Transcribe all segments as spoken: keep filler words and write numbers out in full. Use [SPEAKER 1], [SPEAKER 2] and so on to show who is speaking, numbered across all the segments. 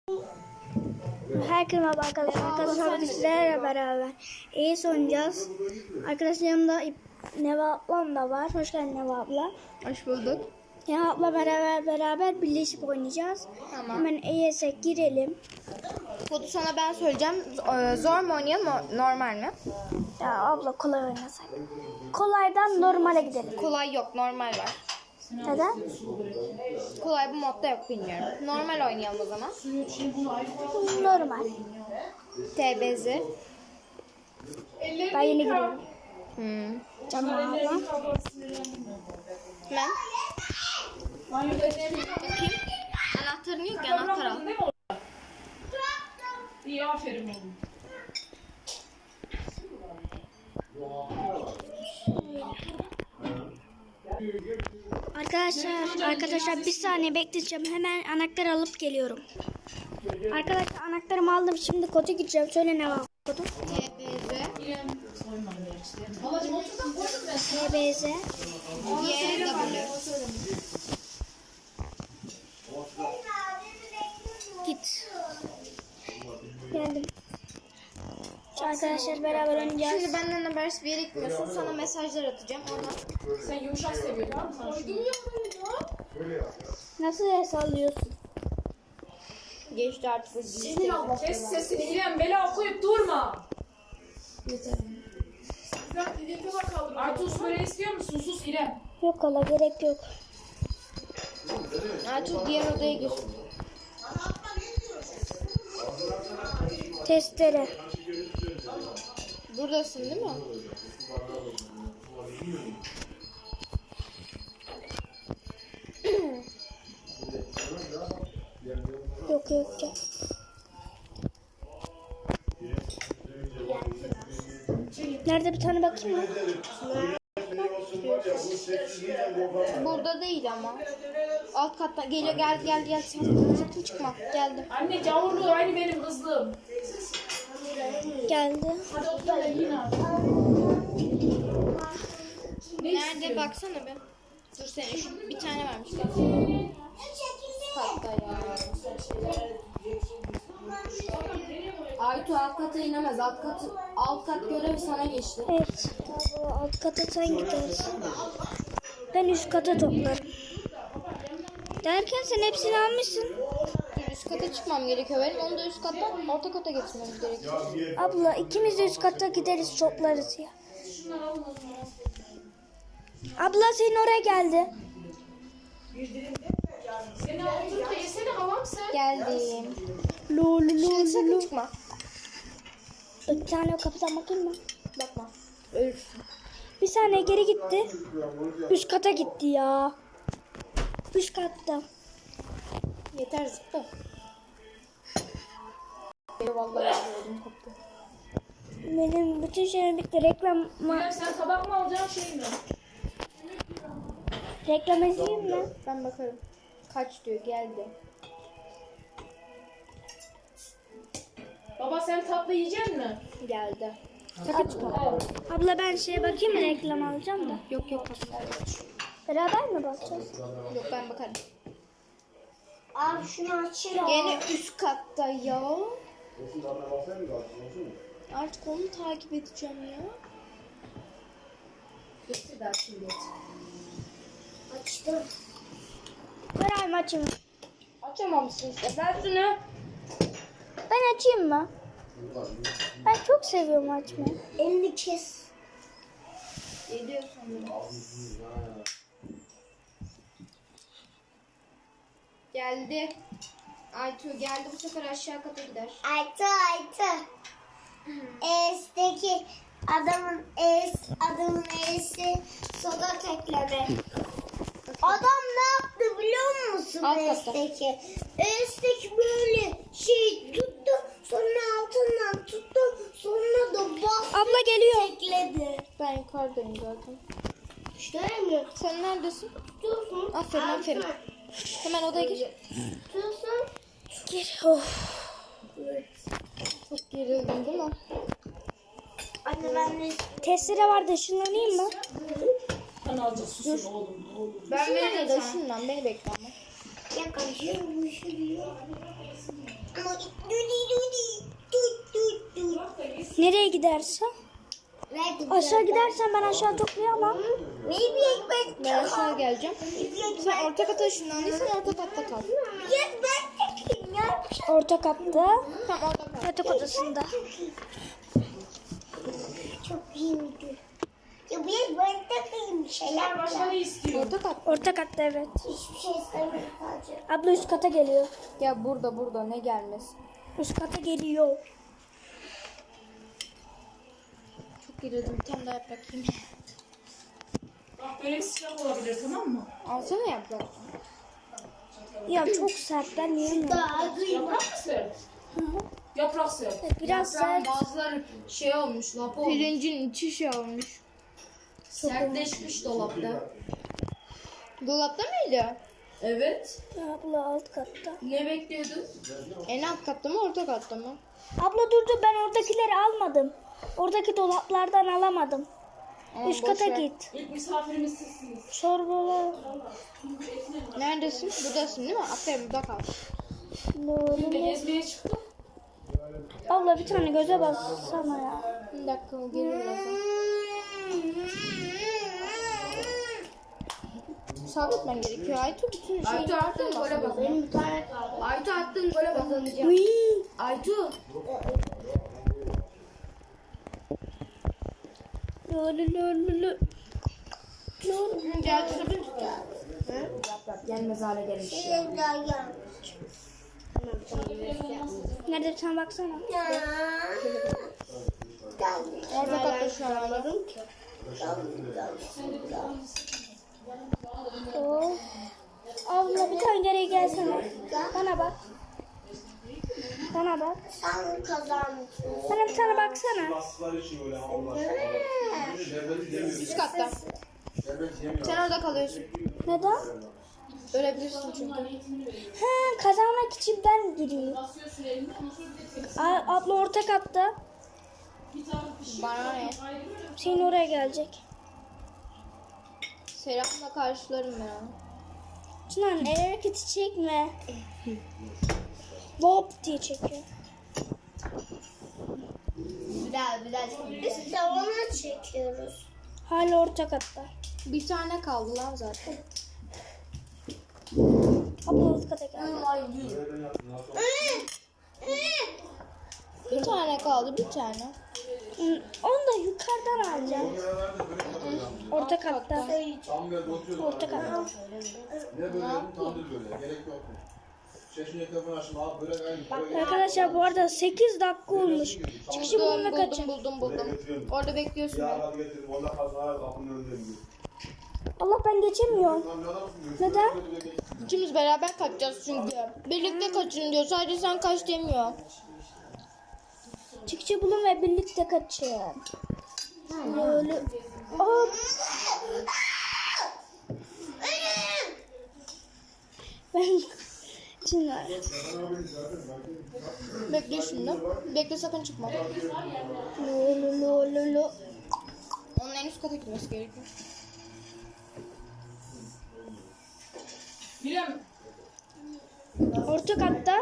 [SPEAKER 1] Herkese merhaba arkadaşlar. Arkadaşlar bizlerle beraber iyi oynayacağız. Arkadaşlar yanımda Neva ablam da var. Hoş geldin Neva abla.
[SPEAKER 2] Hoş bulduk.
[SPEAKER 1] Neva abla beraber beraber birleşip oynayacağız.
[SPEAKER 2] Tamam.
[SPEAKER 1] Hemen E S'e girelim.
[SPEAKER 2] Kodu sana ben söyleyeceğim. Zor mu oynayalım, normal mi?
[SPEAKER 1] Ya abla kolay oynasak. Kolaydan normale gidelim.
[SPEAKER 2] Kolay yok, normal var.
[SPEAKER 1] Neden?
[SPEAKER 2] Kolay bu modda yok, bilmiyorum. Normal oynayalım o zaman.
[SPEAKER 1] Normal.
[SPEAKER 2] T B Z.
[SPEAKER 1] Ben yeni giriyorum.
[SPEAKER 2] Hmm.
[SPEAKER 1] Canım abla.
[SPEAKER 2] Ben. Bakayım. Anahtarın yok ki, anahtar al.
[SPEAKER 3] İyi, aferin oğlum.
[SPEAKER 1] Arkadaşlar, arkadaşlar bir saniye bekleyeceğim. Hemen anahtar alıp geliyorum. Arkadaşlar anahtarımı aldım. Şimdi kodu gireceğim. Söyle ne var kodu?
[SPEAKER 2] T B Z.
[SPEAKER 1] T B Z.
[SPEAKER 2] Y W.
[SPEAKER 1] Git. Geldim. Arkadaşlar beraber oynayacağız.
[SPEAKER 2] Şimdi benden habersiz bir yere gitmiyorsun. Sana mesajlar atacağım. Ona.
[SPEAKER 3] Sen yumuşak seviyorsun tamam mı?
[SPEAKER 1] Nasıl sallıyorsun?
[SPEAKER 2] Geçti artık bu
[SPEAKER 3] Senin abla. Kes sesini İrem. Bela okuyup durma.
[SPEAKER 1] Yeter.
[SPEAKER 3] Artus böyle istiyor musun? Sus İrem.
[SPEAKER 1] Yok hala gerek yok.
[SPEAKER 2] Artık diğer odaya gir.
[SPEAKER 1] Testere.
[SPEAKER 2] Buradasın değil mi?
[SPEAKER 1] Yok yok gel. Nerede bir tane bakayım mı?
[SPEAKER 2] Burada değil ama. Alt katta geliyor, geldi geldi geldi. Sakın, sakın çıkma. Geldi.
[SPEAKER 3] Anne gavurluğu aynı benim kızlığım.
[SPEAKER 1] Geldi.
[SPEAKER 3] Hadi otur da yine abi.
[SPEAKER 2] Nerede baksana be. Dur sen şu bir tane varmış. Katta ya. Aytu alt kata inemez. Alt kat alt kat görevi sana geçti.
[SPEAKER 1] Evet. Alt kata sen gidersin. Ben üst kata toplarım. Derken sen hepsini almışsın.
[SPEAKER 2] Dur, üst kata çıkmam gerekiyor benim. Onu da üst kattan orta kata getirmemiz gerekiyor.
[SPEAKER 1] Abla ikimiz de üst kata gideriz toplarız ya. Abla senin oraya geldi.
[SPEAKER 3] Seni oturup da yesene havam sen.
[SPEAKER 2] Geldim.
[SPEAKER 1] Lol
[SPEAKER 2] Şimdi
[SPEAKER 1] lol
[SPEAKER 2] sakın
[SPEAKER 1] lol.
[SPEAKER 2] çıkma.
[SPEAKER 1] Bir tane o kapıdan bakayım mı?
[SPEAKER 2] Bakma. Ölürsün.
[SPEAKER 1] Bir saniye geri gitti. Üst kata gitti ya. Üst katta.
[SPEAKER 2] Yeter zıpla. Vallahi öldüm koptu.
[SPEAKER 1] Benim bütün şeyim bitti. Reklam
[SPEAKER 3] İrem sen tabak mı alacaksın şey mi?
[SPEAKER 1] reklam izleyeyim mi?
[SPEAKER 2] Ben bakarım. Kaç diyor, geldi.
[SPEAKER 3] Baba sen tatlı yiyecek mi?
[SPEAKER 2] Geldi.
[SPEAKER 3] Al.
[SPEAKER 1] Abla ben şeye bakayım mı, reklam alacağım da.
[SPEAKER 2] Yok yok.
[SPEAKER 1] Beraber mi bakacağız?
[SPEAKER 2] Yok ben bakarım.
[SPEAKER 1] Abi şunu açayım.
[SPEAKER 2] Gene üst katta ya. Artık onu takip edeceğim ya. Getir de açayım getir.
[SPEAKER 1] Açtım. Beraber mi açayım?
[SPEAKER 2] Açamamışsın işte. Ver şunu.
[SPEAKER 1] Ben açayım mı? Ben çok seviyorum açmayı. Elini kes.
[SPEAKER 2] Geliyor sanırım. Geldi. Aytu geldi, bu sefer aşağı kata gider.
[SPEAKER 4] Aytı Aytı. E's'teki adamın Es, adamın E'si soda tekleme. Adam ne yaptı biliyor musun
[SPEAKER 2] Alt katta.
[SPEAKER 4] E's'teki? E's'teki böyle şey tuttu, sonra altından tuttu, sonra da bastı.
[SPEAKER 1] Abla geliyor.
[SPEAKER 4] Tekledi.
[SPEAKER 2] Ben yukarıdayım zaten.
[SPEAKER 4] Şöyle mi?
[SPEAKER 2] Sen neredesin?
[SPEAKER 4] Tutuyorsun.
[SPEAKER 2] Aferin aferin. Hemen odaya gir.
[SPEAKER 4] Tutuyorsun.
[SPEAKER 1] Gir. Of.
[SPEAKER 2] Çok gerildin değil mi?
[SPEAKER 4] Anne ben de
[SPEAKER 1] Testere vardı, ışınlanayım mı?
[SPEAKER 3] Sen alacağız susun oğlum. oğlum.
[SPEAKER 2] Ben veririm de şundan, beni bekle ama.
[SPEAKER 4] yaklaşıyor, bu şu diyor. Ama
[SPEAKER 1] Nereye gidersen? Aşağı gidersen ben aşağı toplayamam.
[SPEAKER 4] Bir ekmek
[SPEAKER 2] Ben aşağı geleceğim. Sen orta kata ışınlandıysan orta katta kal.
[SPEAKER 4] Bir ekmek takayım ya.
[SPEAKER 1] Orta katta.
[SPEAKER 2] Tamam orada kal.
[SPEAKER 1] Yatak odasında.
[SPEAKER 4] Çok iyiydi. Ya bir ekmek takayım bir şeyler
[SPEAKER 3] Başka
[SPEAKER 4] var.
[SPEAKER 3] ne istiyor?
[SPEAKER 2] Orta kat.
[SPEAKER 1] Orta katta evet.
[SPEAKER 4] Hiçbir şey istemiyorum sadece.
[SPEAKER 1] Abla üst kata geliyor.
[SPEAKER 2] Ya burada burada ne gelmez.
[SPEAKER 1] Üst kata geliyor.
[SPEAKER 2] Çok gerildim. Bir tane daha yaprak yiyeyim.
[SPEAKER 3] Bak böyle sıcak olabilir, tamam mı?
[SPEAKER 2] Alsana yaprak.
[SPEAKER 1] Ya çok sert ben yiyemiyorum.
[SPEAKER 4] Daha duyma.
[SPEAKER 3] Yaprak mı sert? Yaprak sert.
[SPEAKER 1] Biraz sert.
[SPEAKER 5] Bazıları şey olmuş, lapa olmuş.
[SPEAKER 2] Pirincin içi şey olmuş.
[SPEAKER 5] Sertleşmiş dolapta.
[SPEAKER 2] Dolapta mıydı?
[SPEAKER 5] Evet.
[SPEAKER 1] Abla alt katta.
[SPEAKER 5] Ne bekliyordun?
[SPEAKER 2] En alt katta mı orta katta mı?
[SPEAKER 1] Abla dur dur ben oradakileri almadım. Oradaki dolaplardan alamadım.
[SPEAKER 2] Aa,
[SPEAKER 1] Üst
[SPEAKER 2] boş
[SPEAKER 1] kata
[SPEAKER 2] ver.
[SPEAKER 1] git.
[SPEAKER 3] İlk misafirimiz sizsiniz.
[SPEAKER 1] Çorbalar.
[SPEAKER 2] Neredesin? Buradasın değil mi? Aferin burada kal.
[SPEAKER 3] Biz de gezmeye çıktık.
[SPEAKER 1] Abla bir tane göze bassana ya.
[SPEAKER 2] Bir dakika o gelir birazdan. Sabretmen gerekiyor. Aytu bütün şey.
[SPEAKER 5] Aytu attın gole bak.
[SPEAKER 4] Benim bir tane kaldı.
[SPEAKER 5] Aytu attın gole bak. Aytu.
[SPEAKER 1] Lü lü lü lü.
[SPEAKER 2] Gel şurada tut.
[SPEAKER 5] Gelmez hale gelmiş.
[SPEAKER 4] Bir daha yan.
[SPEAKER 1] Nerede bir tane baksana.
[SPEAKER 2] Orta katta şu an anladım.
[SPEAKER 1] Oo. Abla bir tane geriye gelsene. Bana bak. Bana bak.
[SPEAKER 4] Sen kazandın.
[SPEAKER 1] Bana bir tane baksana.
[SPEAKER 6] Bastılar için öyle Allah. Şerbeti yemiyor.
[SPEAKER 2] Üst katta.
[SPEAKER 6] Şerbet yemiyor.
[SPEAKER 2] Sen orada kalıyorsun.
[SPEAKER 1] Neden?
[SPEAKER 2] Ölebilirsin çünkü.
[SPEAKER 1] He, kazanmak için ben gireyim. A- abla orta katta.
[SPEAKER 2] Bana ne?
[SPEAKER 1] Senin oraya gelecek.
[SPEAKER 2] Selamla karşılarım ben onu.
[SPEAKER 1] Çınar el hareketi çekme. Lop diye çekiyor.
[SPEAKER 4] Bir daha bir daha çekelim. Biz tavana çekiyoruz.
[SPEAKER 1] Hala orta katta.
[SPEAKER 2] Bir tane kaldı lan zaten.
[SPEAKER 1] Abla alt kata geldi.
[SPEAKER 2] Bir tane kaldı bir tane.
[SPEAKER 1] Hı, onu da yukarıdan alacağım. Orta katta.
[SPEAKER 6] Tam böyle oturuyordu.
[SPEAKER 1] Orta katta.
[SPEAKER 6] Ne böyle yedim tandır böyle. Gerek yok. Şeşin etrafını açtım abi böyle aynı.
[SPEAKER 1] Arkadaşlar bu arada sekiz dakika olmuş. Çıkışı
[SPEAKER 2] Buldum
[SPEAKER 1] bulma
[SPEAKER 2] buldum
[SPEAKER 1] kaçın.
[SPEAKER 2] buldum buldum. Orada bekliyorsun
[SPEAKER 6] Ya
[SPEAKER 2] beni.
[SPEAKER 6] hadi getirdim. Onda kalsın hala kapının önündeyim diyor.
[SPEAKER 1] Allah ben geçemiyorum.
[SPEAKER 6] Lan ne adamsın diyor.
[SPEAKER 1] Neden?
[SPEAKER 2] İkimiz beraber kaçacağız çünkü. Birlikte kaçın diyor. Sadece sen kaç demiyor.
[SPEAKER 1] Çıkışı bulun ve birlikte kaçın. Böyle. Hop. Ben Çınar.
[SPEAKER 2] Bekle şimdi. Bekle sakın çıkma.
[SPEAKER 1] Lo lo lo lo lo.
[SPEAKER 2] Onun en üst kata gitmesi gerekiyor.
[SPEAKER 3] Bilem.
[SPEAKER 1] Orta katta.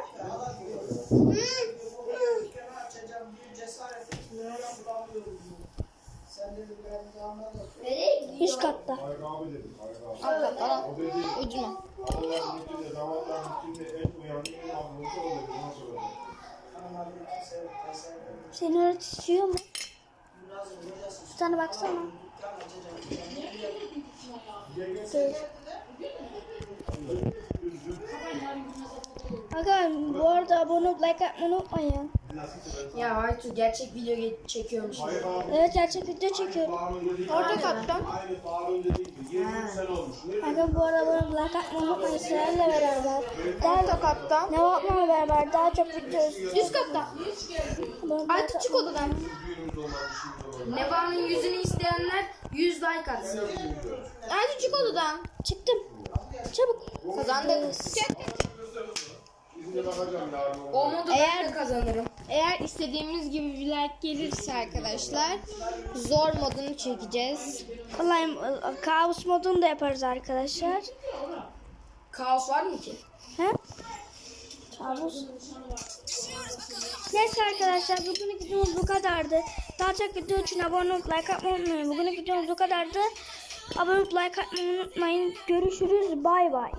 [SPEAKER 1] Üst katta.
[SPEAKER 6] Abi dedim.
[SPEAKER 2] Alt katta lan. Ucuma.
[SPEAKER 6] Allah'ın üstünde damatların üstünde en uyanık en avlusu oluyor. Nasıl oluyor?
[SPEAKER 1] Seni öğretiyor mu? Bir tane baksana. Dur. Aga bu arada abone olup like atmayı unutmayın.
[SPEAKER 5] Ya Aytu gerçek video ge- çekiyormuş.
[SPEAKER 1] Evet gerçek video çekiyorum.
[SPEAKER 2] Orta katta.
[SPEAKER 6] Aynı Faruk'un dediği gibi yirmi sene olmuş. Ne
[SPEAKER 1] Aga bu arada abone olup like atmayı unutmayın. Sizlerle beraber.
[SPEAKER 2] Orta
[SPEAKER 1] Daha,
[SPEAKER 2] katta.
[SPEAKER 1] ne yapmamla beraber daha çok video izliyoruz.
[SPEAKER 2] Üst katta. Aytu çık odadan.
[SPEAKER 6] düğünümüz olmaz, işimiz olmaz.
[SPEAKER 5] Neva'nın yüzünü isteyenler yüz like atsın.
[SPEAKER 2] Aytu çık odadan.
[SPEAKER 1] Çıktım. Çabuk.
[SPEAKER 2] Kazandık. Çık.
[SPEAKER 6] İzine bakacağım yarın.
[SPEAKER 5] O modu ben de kazanırım.
[SPEAKER 2] Eğer istediğimiz gibi bir like gelirse arkadaşlar zor modunu çekeceğiz.
[SPEAKER 1] Vallahi kaos modunu da yaparız arkadaşlar.
[SPEAKER 5] Kaos var mı ki?
[SPEAKER 1] He? Kabus. Neyse arkadaşlar bugünlük videomuz bu kadardı. Daha çok video için abone olup like atmayı unutmayın. Bugünlük videomuz bu kadardı. Abone olup like atmayı unutmayın. Görüşürüz. Bay bay.